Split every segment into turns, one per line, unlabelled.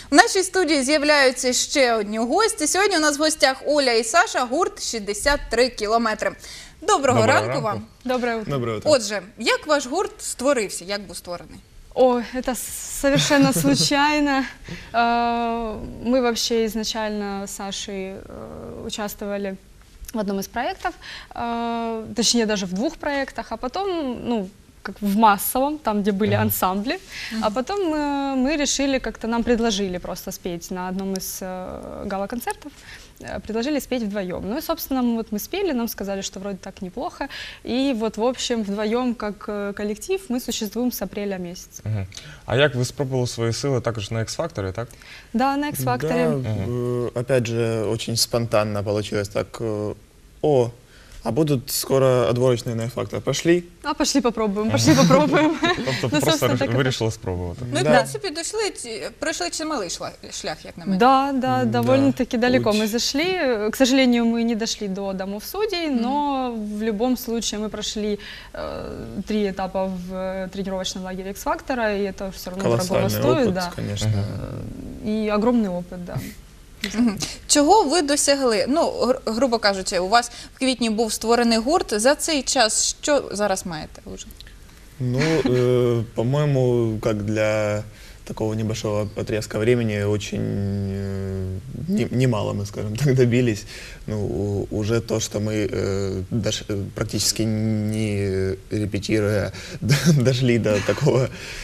В нашій студії з'являються ще одні гості. Сьогодні у нас в гостях Оля і Саша, гурт «63 кілометри». Доброго ранку вам.
Доброе утро.
Доброе утро.
Отже, як ваш гурт створився, як був створений?
Ой, это совершенно случайно. Мы вообще изначально с Сашей участвовали в одном из проектов, точнее даже в двух проектах, а потом, ну, как в массовом, там, где были ансамбли, а потом мы решили, как-то нам предложили просто спеть на одном из гала-концертов, предложили спеть вдвоем. Ну и, собственно, мы спели, нам сказали, что вроде так неплохо, и вот, в общем, вдвоем, как коллектив, мы существуем с апреля месяца.
А як ви спробували свої сили також на X-Factor, так?
Да, на X-Factor.
Да, опять же, очень спонтанно получилось так. А будут скоро отборочные на X-Factor. Пошли?
А пошли попробуем, пошли попробуем.
Тобто
Ну,
просто
собственно, так и
вирішили спробувати.
Ну і, в
Да.
принципі, пройшли чималий шлях, як на мене.
Да, довольно-таки далеко
Очень.
мы зашли. К сожалению, мы не дошли до домов судей, но в любом случае мы прошли 3 этапа в тренировочном лагере X-Factor, и это все равно дорого
Колоссальный
стоит.
опыт,
Да.
конечно.
И огромный опыт, да.
Чого ви досягли? Ну, грубо кажучи, у вас в квітні був створений гурт. За цей час що зараз маєте вже?
Ну, по-моему, как для такого небольшого отрезка времени, очень немало мы, скажем так, добились. Ну, уже то, что мы практически не репетируя, дошли до такого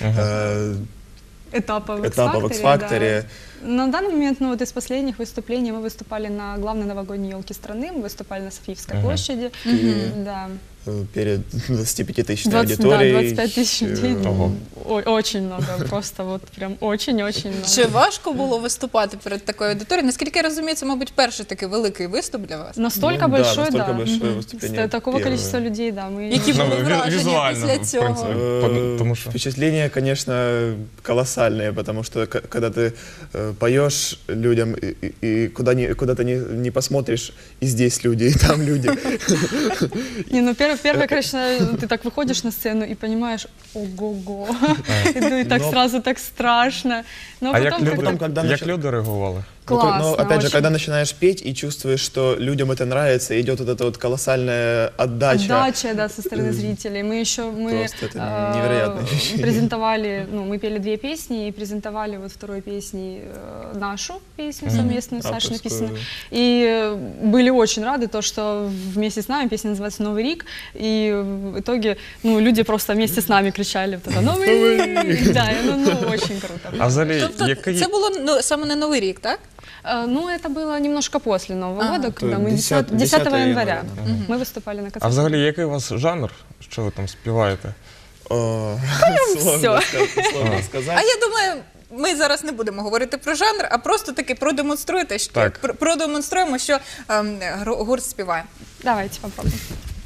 Этапа в
этапа в
X-Factor.
X-Factor.
На данный момент, ну вот из последних выступлений мы выступали на главной новогодней елке страны, мы выступали на Софиевской площади. Да.
Перед 25-тысячной
20,
аудиторией.
да, 25 тысяч людей.
Ого.
Очень много, просто вот прям очень-очень много.
Чи важко було виступати перед такою аудиторією? Наскільки я розумію, це, мабуть, перший такий великий виступ для вас.
Настолько
Ну,
большой,
настолько
да.
большое выступление.
Такого
первое.
количества людей, да. Мы...
Які
Ну,
були враження
візуально,
після
в
цього?
принципі. Тому що
Впечатления, конечно, колоссальные, потому что когда ты поешь людям и куда ты не посмотришь, и здесь люди, и там люди.
Не, ну первое, конечно, ты так выходишь на сцену и понимаешь, ого-го, и так сразно так страшно. Но
А як
потом
люди,
как-то
когда
як
начал-
люди реагували?
классно,
Но опять же,
очень.
когда начинаешь петь и чувствуешь, что людям это нравится, идет вот эта вот колоссальная отдача.
Отдача, да, со стороны зрителей. Мы
Просто это невероятное ощущение.
презентовали, ну, мы пели 2 песни и презентовали вот второй песней нашу песню совместную, Саша
Авторскую.
написанную. И были очень рады, то, что вместе с нами песня называется «Новый Рик», и в итоге, ну, люди просто вместе с нами кричали вот это «Новый Рик!» Да, и, ну, очень круто.
А взагалі,
Тобто
який...
це було саме на Новий рік, так?
Ну, это было немножко после Нового года,
то
когда мы 10
10
января
января,
мы выступали на концерте.
А взагалі, який у вас жанр? Що ви там співаєте?
Сложно
А
сказать.
я думаю, ми зараз не будемо говорити про жанр, а просто таки продемонструєте, що
Так.
продемонструємо, що гурт співає.
Давайте попробуем.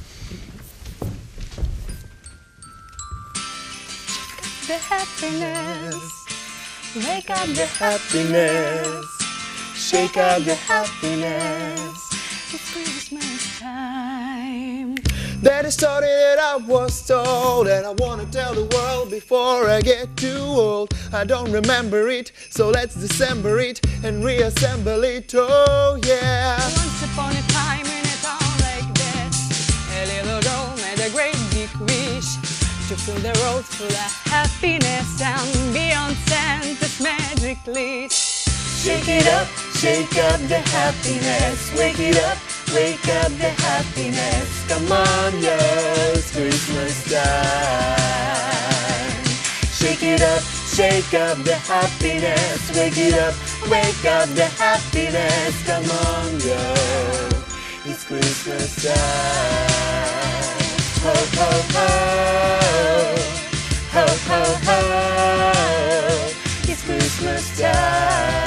The happiness, wake up the
Happiness, shake out the
happiness. It's Christmas time.
That is story that I was told, and I wanna tell the world before I get too old. I don't remember it, so let's dissemble it and reassemble it. Oh yeah.
Once upon a time in a town like this, a little girl made a great big wish to fill the road full of happiness and beyond Santa's magic list.
Shake up the happiness. Wake up the happiness. Come on, yeah, it's Christmas time. Shake up the happiness. Wake up the happiness. Come on, girl, it's Christmas time. Ho, ho, ho, ho, ho, ho, it's Christmas time.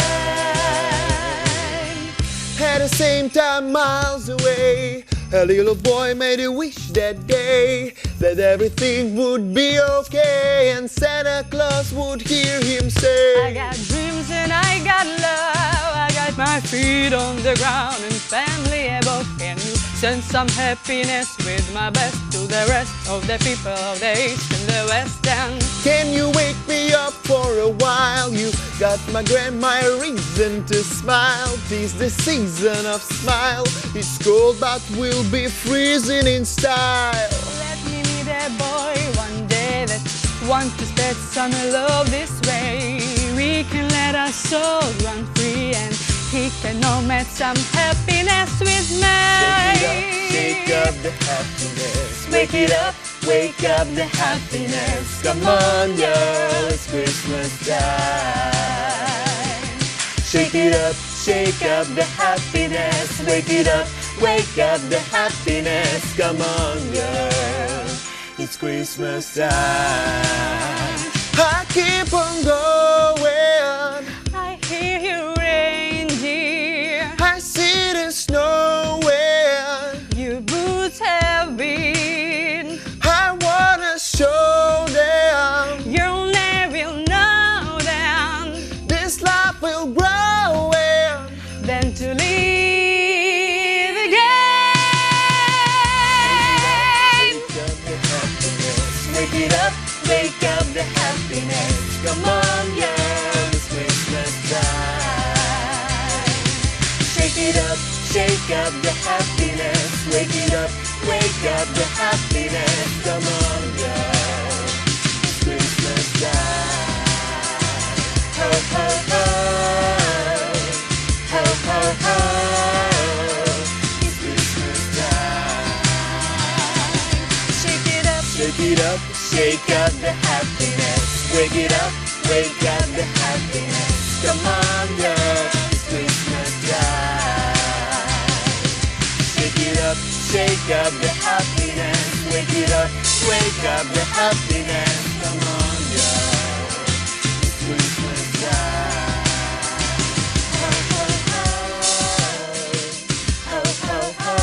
At the same time, miles away, a little boy made a wish that day that everything would be okay and Santa Claus would hear him say,
I got dreams and I got love. I got my feet on the ground and family above. Can you send some happiness with my best to the rest of the people of the East and the West. And
Can you wake me up for a while? You got my grandma a reason to smile. 'Tis the season of smile. It's cold but we'll be freezing in style.
let me meet a boy one day that wants to spread summer love this way. We can let our souls run free and he can know met some happiness with me.
Shake up the happiness. Wake it up, wake up the happiness. Come on, girl, it's Christmas time. Shake it up, shake up the happiness. Wake it up, wake up the happiness. Come on, girl, it's Christmas time. I keep on going.
I hear you, reindeer.
I see the snowing.
Your boots have been.
I wanna show them
You'll never know them.
this life will grow and
Than to live again.
wake it up, wake up the happiness. Come on, girl, it's Christmas time. Shake it up, shake up the happiness. Wake it up, wake up the happiness. Come on, girl, it's Christmas time. Ho, ho, ho. Ho, ho, ho. It's Christmas time.
Shake it up.
Shake it up, shake up the happiness. Wake it up, wake up the happiness. Come on, girl, it's Christmas time. Shake it up, shake up the happiness. Wake it up, wake up the happiness. Come on, girl, it's Christmas time. Ho, ho, ho. Ho, ho, ho.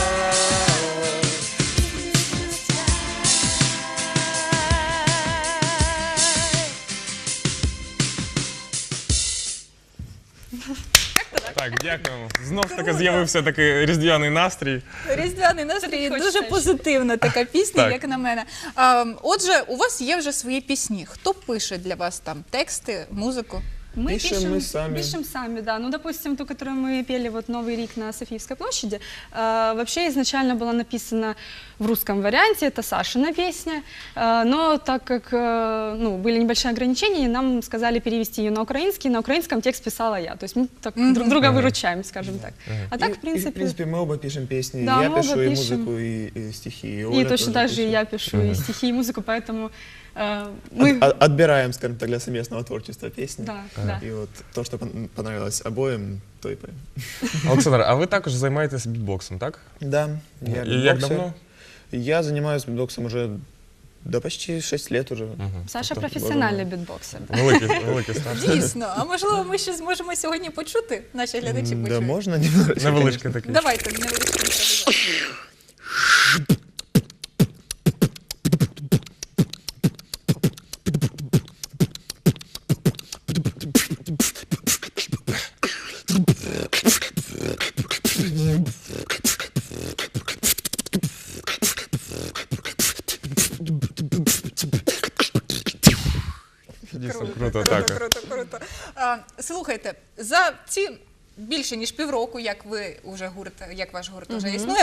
Так, дякуємо. Знов таки з'явився такий різдвяний настрій.
Різдвяний настрій,
Хочеться
дуже
ще.
позитивна така пісня,
Так.
як на мене. Отже, у вас є вже свої пісні. Хто пише для вас там тексти, музику?
Мы
Пишем мы сами.
Пишем сами, да. Ну, допустим, ту, которую мы пели вот «Новый Рик» на Софиевской площади, вообще изначально была написана в русском варианте, это Сашина песня, но так как ну, были небольшие ограничения, нам сказали перевести ее на украинском текст писала я. То есть мы так друг друга выручаем, скажем так. А так, в
в
принципе,
принципе, мы оба пишем песни.
Да,
Я
мы оба
пишу и
пишем.
музыку, и стихи. И
и
Оля
точно
тоже
так же и
пишет.
я пишу и стихи, и музыку, поэтому мы...
Отбираем, скажем так, для совместного творчества песни.
Да, да.
И вот то, что понравилось обоим, то и поем.
Олександр, а ви також займаєтесь бітбоксом, так?
Да, я
І як
битбоксер.
давно?
Я занимаюсь битбоксом уже, да почти 6 лет уже.
Саша
Тобто,
профессиональный битбоксер.
Великий стаж.
Дійсно. А можливо, ми ще зможемо сьогодні почути? Наші глядачі
Да,
почують.
можно немножечко.
Невеличкий такий.
Давайте невеличкий імпровізацію.
Дійсно круто, так.
Круто. Слухайте, за ці більше ніж півроку, як ви вже гурт, як ваш гурт вже існує,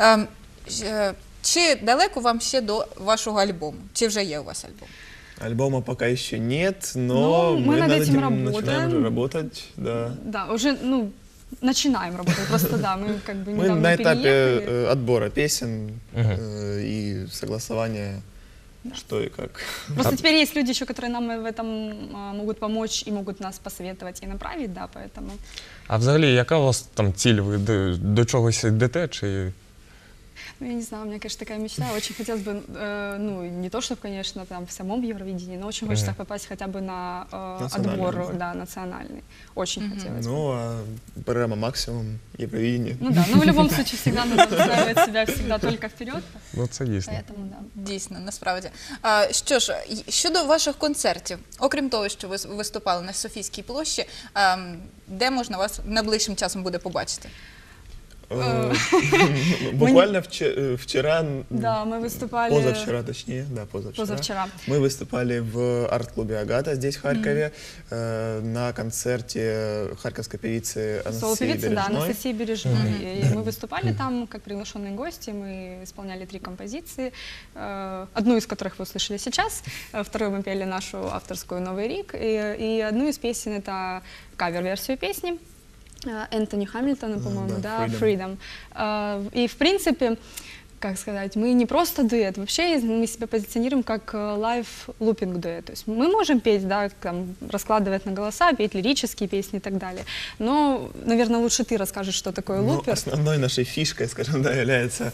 чи далеко вам ще до вашого альбому? Чи вже є у вас альбом?
Альбома пока еще нет, но
Ну, мы
мы
над
над
этим
этим
работаем.
начинаем уже работать. Да.
Да, уже, ну, начинаем работать. Просто, да, мы как бы
Мы
недавно
на этапе
переехали.
отбора песен и согласования, что и как.
Просто теперь есть люди еще, которые нам в этом могут помочь и могут нас посоветовать и направить, да, поэтому...
А взагалі, яка у вас там ціль? Ви до чогось йдете? Чи
Ну, я не знаю, у меня, конечно, такая мечта. Очень хотелось бы, ну, не то, чтобы, конечно, там в самом Евровидении, но очень хочется попасть хотя бы на
Национальный,
отбор,
да.
да, национальный. Очень хотелось бы.
Ну, а программа «Максимум», Евровидение.
Ну да, но в любом случае всегда надо выстраивать себя всегда только вперед.
ну це дійсно?
Поэтому, да.
Дійсно, насправді. Що ж, щодо ваших концертів, окрім того, що ви виступали на Софійській площі, де можна вас найближчим часом буде побачити?
Буквально вчера,
Да, мы выступали...
позавчера точнее, да,
Позавчера.
Мы выступали в арт-клубе «Агата» здесь, в Харькове, на концерте харьковской певицы Анастасии
Соло-певица, да,
Бережной.
Анастасии Бережной. И мы выступали там как приглашенные гости, мы исполняли 3 композиции, одну из которых вы услышали сейчас, вторую мы пели нашу авторскую «Новый Рик», и одну из песен — это кавер-версию песни Энтони Хамильтона, по-моему,
да,
да, «Freedom». И, в принципе, как сказать, мы не просто дуэт, вообще мы себя позиционируем как лайв-лупинг дуэт. То есть мы можем петь, да, там, раскладывать на голоса, петь лирические песни и так далее. Но, наверное, лучше ты расскажешь, что такое
Ну,
лупер.
основной нашей фишкой, скажем, да, является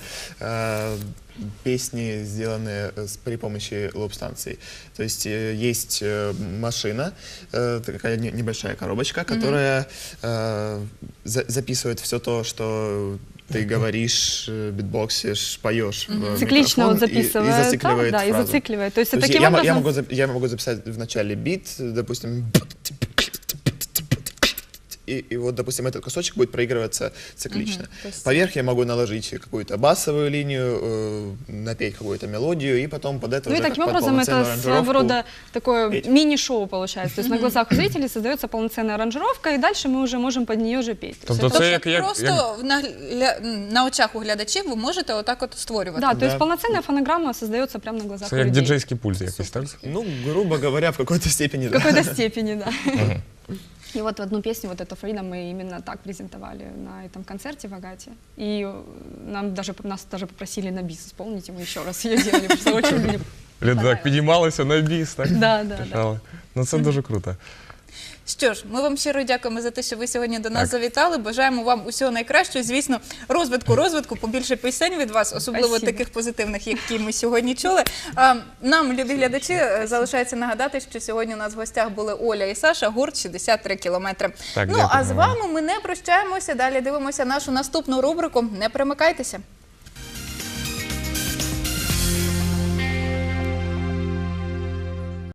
песни, сделанные при помощи луп-станций. То есть есть машина, такая небольшая коробочка, которая записывает все то, что ты говоришь, битбоксишь, поешь в
Циклично
микрофон
вот записывает,
и зацикливает
да, и
фразу.
зацикливает. То есть
То есть
таким образом...
я могу записать в начале бит, допустим, и вот, допустим, этот кусочек будет проигрываться циклично.
То есть-
Поверх я могу наложить какую-то басовую линию, напеть какую-то мелодию, и потом под это
Ну и
уже
таким
как под
образом это
полноценную
своего
аранжировку
рода такое
петь.
мини-шоу получается. То есть на глазах у зрителей создается полноценная аранжировка, и дальше мы уже можем под нее же петь.
Тобто
Тобто
це як
просто на очах у глядачів ви можете отак от створювати.
Да, то есть
Да.
полноценная фонограмма создается прямо на глазах
це
у
як
людей.
діджейський пульт якийсь, так?
Ну, грубо говоря, в какой-то степени,
В
да.
какой-то степени, да. И вот одну песню, вот эту «Freedom», мы именно так презентовали на этом концерте в Агате. И нас даже попросили на бис исполнить, и мы еще раз ее делали, потому что очень мне
Люди так
понравилось.
підіймалися на біс, так?
Да, да, да.
Качали. Ну це дуже круто.
Що ж, ми вам щиро дякуємо за те, що ви сьогодні до нас
Так.
завітали. Бажаємо вам усього найкращого. Звісно, розвитку, побільше пісень від вас, особливо
Спасибо.
таких позитивних, які ми сьогодні чули. Нам, любі глядачі, залишається нагадати, що сьогодні у нас в гостях були Оля і Саша, гурт 63 кілометри.
Так,
Ну, а
дякуємо
з
вам.
вами ми не прощаємося. Далі дивимося нашу наступну рубрику. Не примикайтеся.